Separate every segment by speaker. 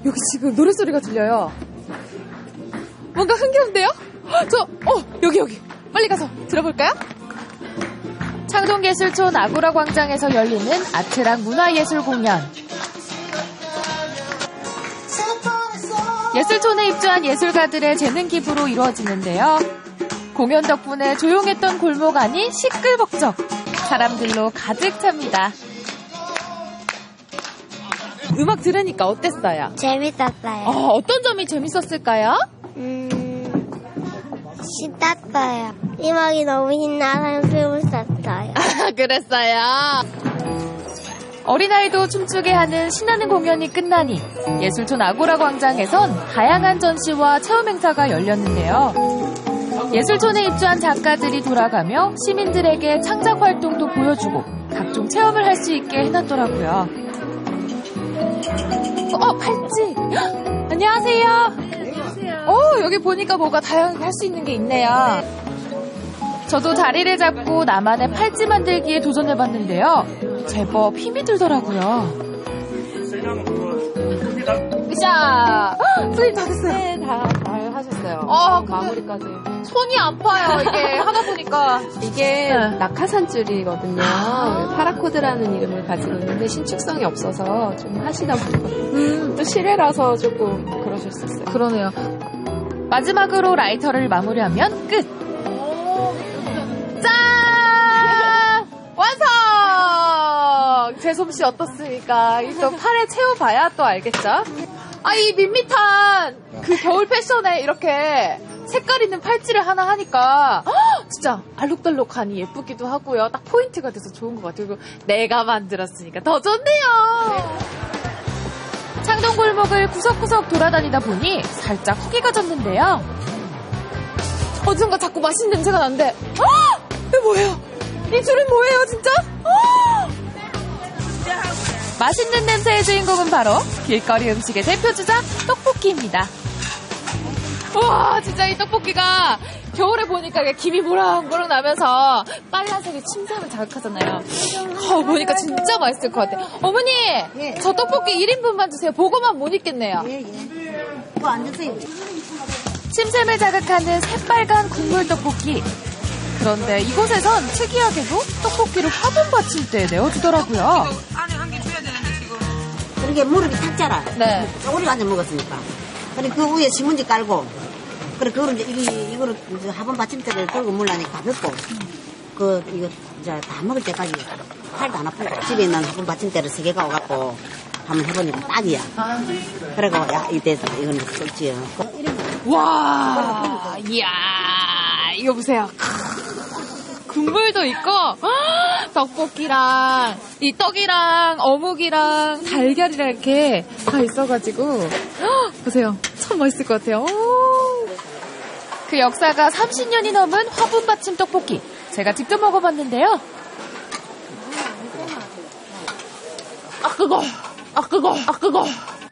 Speaker 1: 여기 지금 노랫소리가 들려요. 뭔가 흥겨운데요? 여기. 빨리 가서 들어볼까요? 창동예술촌 아고라 광장에서 열리는 아트랑 문화예술 공연. 예술촌에 입주한 예술가들의 재능 기부로 이루어지는데요. 공연 덕분에 조용했던 골목 안이 시끌벅적 사람들로 가득 찹니다. 음악 들으니까 어땠어요?
Speaker 2: 재밌었어요.
Speaker 1: 어떤 점이 재밌었을까요?
Speaker 2: 신났어요. 음악이 너무 신나서 재밌었어요.
Speaker 1: 그랬어요. 어린아이도 춤추게 하는 신나는 공연이 끝나니 예술촌 아고라 광장에선 다양한 전시와 체험 행사가 열렸는데요. 예술촌에 입주한 작가들이 돌아가며 시민들에게 창작 활동도 보여주고 각종 체험을 할 수 있게 해놨더라고요. 팔찌! 안녕하세요. 안녕하세요. 여기 보니까 뭐가 다양하게 할 수 있는 게 있네요. 저도 자리를 잡고 나만의 팔찌 만들기에 도전해봤는데요. 제법 힘이 들더라고요. 으쌰! 선생님 다 됐어요.
Speaker 3: 네, 다 하셨어요. 마무리까지.
Speaker 1: 손이 아파요, 이게. 하다 보니까.
Speaker 3: 이게 낙하산줄이거든요. 파라코드라는 이름을 가지고 있는데 신축성이 없어서 좀 하시다 보니까 또 실외라서 조금 그러셨었어요.
Speaker 1: 그러네요. 마지막으로 라이터를 마무리하면 끝! 짠! 완성! 제 솜씨 어떻습니까? 또 팔에 채워봐야 또 알겠죠? 이 밋밋한 그 겨울 패션에 이렇게 색깔 있는 팔찌를 하나 하니까 진짜 알록달록하니 예쁘기도 하고요. 딱 포인트가 돼서 좋은 것 같아요. 그리고 내가 만들었으니까 더 좋네요. 창동 골목을 구석구석 돌아다니다 보니 살짝 후기가 졌는데요. 어딘가 자꾸 맛있는 냄새가 나는데 이게 뭐예요? 이 줄은 뭐예요 진짜? 맛있는 냄새의 주인공은 바로 길거리 음식의 대표주자 떡볶이입니다. 우와 진짜 이 떡볶이가 겨울에 보니까 김이 모락모락 나면서 빨간색의 침샘을 자극하잖아요. 보니까 진짜 맛있을 것 같아요. 어머니
Speaker 4: 예.
Speaker 1: 저 떡볶이 1인분만 주세요. 보고만 못 있겠네요.
Speaker 4: 그거 안 주세요.
Speaker 1: 침샘을 자극하는 새빨간 국물 떡볶이. 그런데 이곳에선 특이하게도 떡볶이를 화분 받침대에 내어주더라고요.
Speaker 4: 그렇게 무릎이 탔잖아.
Speaker 1: 네.
Speaker 4: 우리가 앉아 먹었으니까. 그래 그 위에 신문지 깔고, 그래 그거를 이제 이거를 이제 화분 받침대를 들고 물라니까 가볍고, 이거 이제 다 먹을 때까지 팔도 안 아프고 집에 있는 화분 받침대를 3개 가져갖고 한번 해보니까 딱이야. 그래고 이때서 이거는 썼지요.
Speaker 1: 와, 이야, 이거 보세요. 국물도 있고 떡볶이랑 이 떡이랑 어묵이랑 달걀이랑 이렇게 다 있어가지고 보세요. 참 맛있을 것 같아요. 그 역사가 30년이 넘은 화분 받침 떡볶이 제가 직접 먹어봤는데요. 뜨거.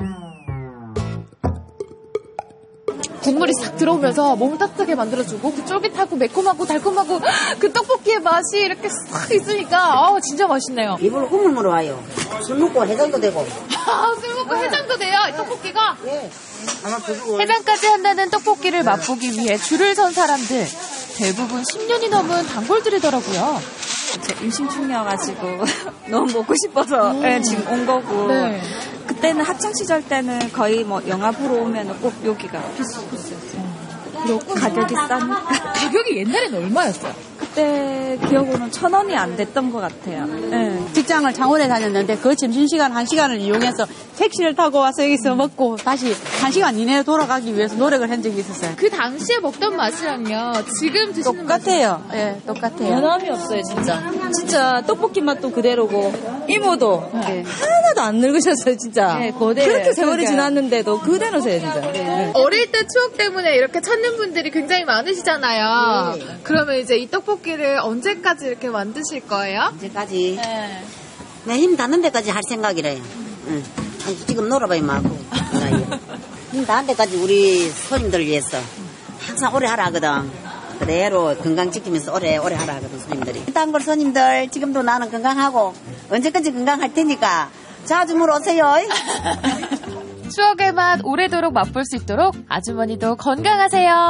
Speaker 1: 국물이 싹 들어오면서 몸을 따뜻하게 만들어주고 그 쫄깃하고 매콤하고 달콤하고 그 떡볶이의 맛이 이렇게 싹 있으니까 진짜 맛있네요.
Speaker 4: 입으로 국물 물어와요. 술 먹고 해장도 되고.
Speaker 1: 술 먹고 해장도 돼요, 이 떡볶이가?
Speaker 4: 네.
Speaker 1: 해장까지 한다는 떡볶이를 맛보기 위해 줄을 선 사람들. 대부분 10년이 넘은 단골들이더라고요.
Speaker 5: 제 임신 중이어가지고 너무 먹고 싶어서 지금 온 거고.
Speaker 1: 네.
Speaker 5: 그때는 학창 시절 때는 거의 뭐 영화 보러 오면 꼭 여기가 필수 코스였어요. 그리고 가격이 싸니까.
Speaker 1: 가격이 옛날에는 얼마였어요?
Speaker 5: 그때 기억으로는 1,000원이 안 됐던 것 같아요. 네.
Speaker 6: 직장을 창원에 다녔는데 그 점심시간 1시간을 이용해서 택시를 타고 와서 여기서 먹고 다시 1시간 이내에 돌아가기 위해서 노력을 한 적이 있었어요.
Speaker 1: 그 당시에 먹던 맛이랑요 지금 드시는
Speaker 6: 똑같아요. 예, 똑같아요.
Speaker 5: 변함이 없어요, 진짜. 진짜 떡볶이 맛도 그대로고 이모도 하나도 안 늙으셨어요, 진짜.
Speaker 6: 네, 그대로예요.
Speaker 5: 그렇게 세월이 지났는데도 그대로세요, 진짜. 네.
Speaker 1: 어릴 때 추억 때문에 이렇게 찾는 분들이 굉장히 많으시잖아요. 그러면 이제 이 떡볶이를 언제까지 이렇게 만드실 거예요?
Speaker 4: 언제까지? 내 힘 닿는 데까지 할 생각이래요. 응. 아니, 지금 놀아봐야 말고. 힘 닿는 데까지 우리 손님들 위해서 항상 오래 하라 하거든. 그대로 건강 지키면서 오래 하라 하거든, 손님들이. 단골 손님들, 지금도 나는 건강하고 언제까지 건강할 테니까 자주 물어오세요.
Speaker 1: 추억의 맛 오래도록 맛볼 수 있도록 아주머니도 건강하세요.